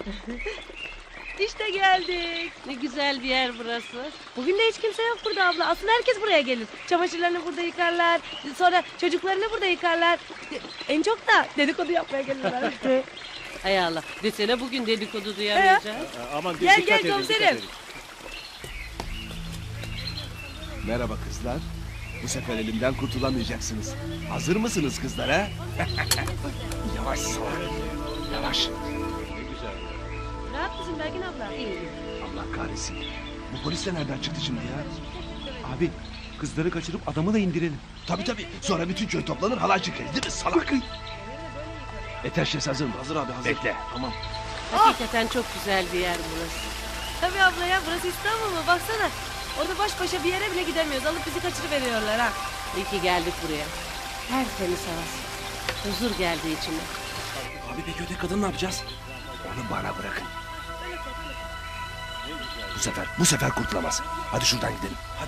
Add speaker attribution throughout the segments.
Speaker 1: İşte geldik.
Speaker 2: Ne güzel bir yer burası.
Speaker 1: Bugün de hiç kimse yok burada abla. Aslında herkes buraya gelir. Çamaşırlarını burada yıkarlar. Sonra çocuklarını burada yıkarlar. En çok da dedikodu yapmaya gelirler.
Speaker 2: Hay Allah. Desene bugün dedikodu duyamayacağız.
Speaker 3: Aman
Speaker 1: Gel,
Speaker 3: dikkat
Speaker 1: gel
Speaker 3: edin,
Speaker 1: komiserim.
Speaker 3: dikkat edin.
Speaker 4: Merhaba kızlar. Bu sefer elimden kurtulamayacaksınız. Hazır mısınız kızlar ha? Yavaş salak. Yavaş.
Speaker 1: Rahat mısın Belgin abla?
Speaker 4: Allah kahretsin. Bu polis de nereden çıktı şimdi ya? Abi kızları kaçırıp adamı da indirelim. Tabii. Sonra bütün köy toplanır halay çekeriz değil mi salak? Eteşles hazır mı? Hazır abi hazır. Bekle. Tamam.
Speaker 2: Hakikaten çok güzel bir yer burası.
Speaker 1: Tabii abla ya, burası İstanbul mu? Baksana. Orada baş başa bir yere bile gidemiyoruz. Alıp bizi kaçırıveriyorlar ha.
Speaker 2: İyi ki geldik buraya. Tertemiz havası. Huzur geldi içime.
Speaker 4: Abi peki öteki kadın ne yapacağız? Onu bana bırakın. Bu sefer kurtulamaz. Hadi şuradan gidelim. Hadi.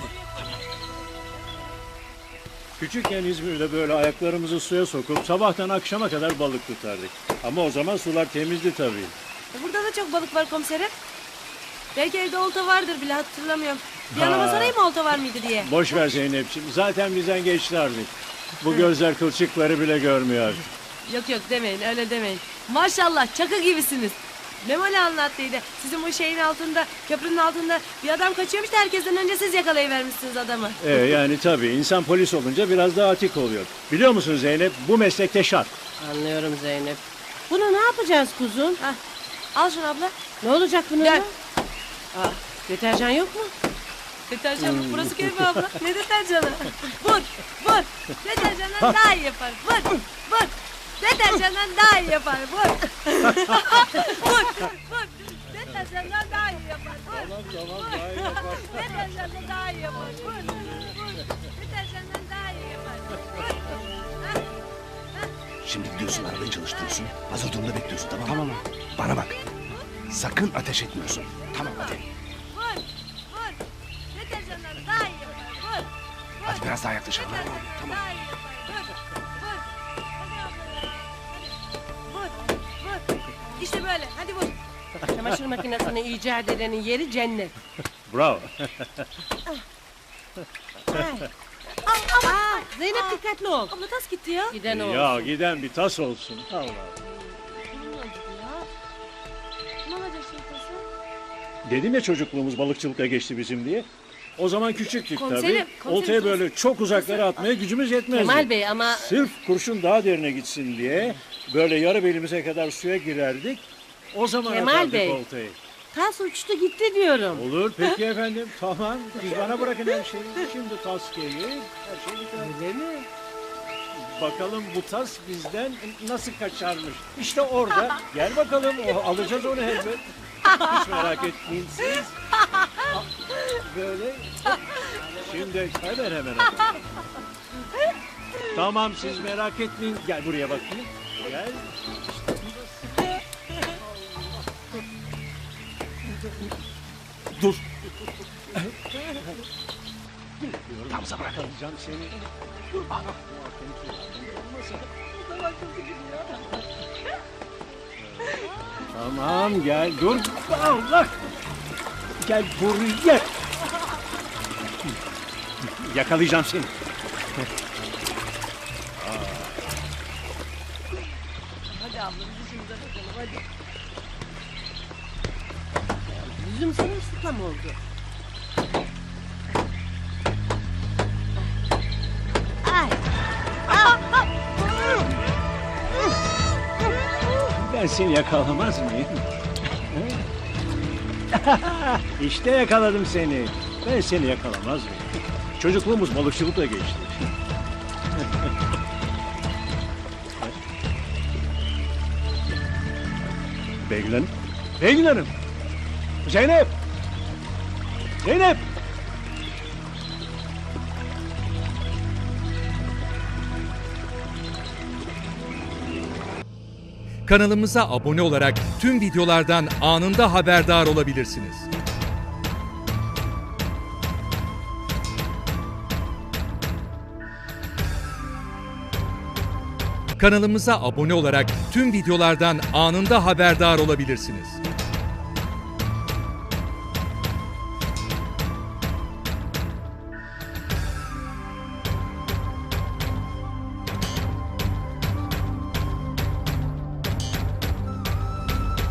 Speaker 3: Küçükken İzmir'de böyle ayaklarımızı suya sokup sabahtan akşama kadar balık tutardık. Ama o zaman sular temizdi tabii.
Speaker 1: Burada da çok balık var komiserim. Belki evde olta vardır bile, hatırlamıyorum. Bir yanıma sorayım mı olta var mıydı diye.
Speaker 3: Boş ver Zeynep'ciğim. Zaten bizden geçti artık. Bu gözler kılçıkları bile görmüyor artık.
Speaker 1: Yok demeyin, öyle demeyin. Maşallah çakı gibisiniz. Memoli anlattıydı. Sizin bu şeyin altında, köprünün altında bir adam kaçıyormuş da herkesten önce siz yakalayıvermişsiniz adamı.
Speaker 3: Yani tabii insan polis olunca biraz daha atik oluyor. Biliyor musun Zeynep, bu meslekte şart.
Speaker 2: Anlıyorum Zeynep. Bunu ne yapacağız kuzum?
Speaker 1: Hah, al şunu abla.
Speaker 2: Ne olacak bununla?
Speaker 1: Gel.
Speaker 2: Deterjan yok mu?
Speaker 1: Deterjan mı? Burası köy mü abla? Ne deterjanı? Vur. Deterjandan daha iyi yapar. Vur. Deterjandan daha iyi yapar. Vur. Vur. Deterjandan daha iyi yapar. Vur.
Speaker 3: Tamam daha iyi yapar.
Speaker 1: Deterjandan daha iyi yapar. Vur. Deterjandan daha iyi yapar. Vur.
Speaker 4: Şimdi gidiyorsun arabayı çalıştırıyorsun. Hazır durumda bekliyorsun tamam mı? Tamam. Bana bak. Sakın ateş etmiyorsun. Tamam hadi.
Speaker 1: Vur. Deterjandan daha iyi yapar. Vur.
Speaker 4: Hadi biraz daha yaklaşalım. Hadi.
Speaker 1: Deterjandan
Speaker 4: Tamam.
Speaker 1: daha iyi yapar. Vur. Hadi abla ya. Vur. İşte böyle. Hadi vur.
Speaker 2: Çamaşır makinesini icat edenin yeri cennet.
Speaker 3: Bravo.
Speaker 2: Zeynep dikkatli ol.
Speaker 1: Abla tas gitti ya.
Speaker 2: Giden o.
Speaker 3: Ya giden bir tas olsun. Allah.
Speaker 1: Ne olacak şimdi tası?
Speaker 3: Dedim ya çocukluğumuz balıkçılıkla geçti bizim diye. O zaman küçüktük
Speaker 1: Komiserim,
Speaker 3: tabii.
Speaker 1: komiserim,
Speaker 3: Oltaya böyle çok uzaklara atmaya gücümüz yetmezdi.
Speaker 2: Kemal Bey ama
Speaker 3: Sırf kurşun daha derine gitsin diye böyle yarı belimize kadar suya girerdik. O zaman
Speaker 2: Kemal
Speaker 3: atardık
Speaker 2: Bey.
Speaker 3: oltayı.
Speaker 2: tas uçtu gitti diyorum.
Speaker 3: Olur peki efendim tamam. Siz bana bırakın her şeyi. Şimdi tas gelir. Her şey biter.
Speaker 2: Öyle mi?
Speaker 3: Bakalım bu tas bizden nasıl kaçarmış. İşte orada. Gel bakalım. Alacağız onu elbet. Hiç merak etmeyin siz. Böyle. Şimdi hemen. Tamam siz merak etmeyin. Gel buraya bakayım. Gel. Dur.
Speaker 4: Tamza bırak.
Speaker 3: Alacağım seni. Tamam gel dur. Allah. Gel buraya. Yakalayacağım seni.
Speaker 1: Hadi abla bizi şimdi bakalım hadi.
Speaker 2: Yüzüm sırılsıklam oldu.
Speaker 3: Ben seni yakalamaz mıyım? İşte yakaladım seni. Ben seni yakalamaz mıyım? Çocukluğumuz balıkçılıkla geçti. Beygin Hanım. Zeynep.
Speaker 5: Kanalımıza abone olarak tüm videolardan anında haberdar olabilirsiniz. Kanalımıza abone olarak tüm videolardan anında haberdar olabilirsiniz.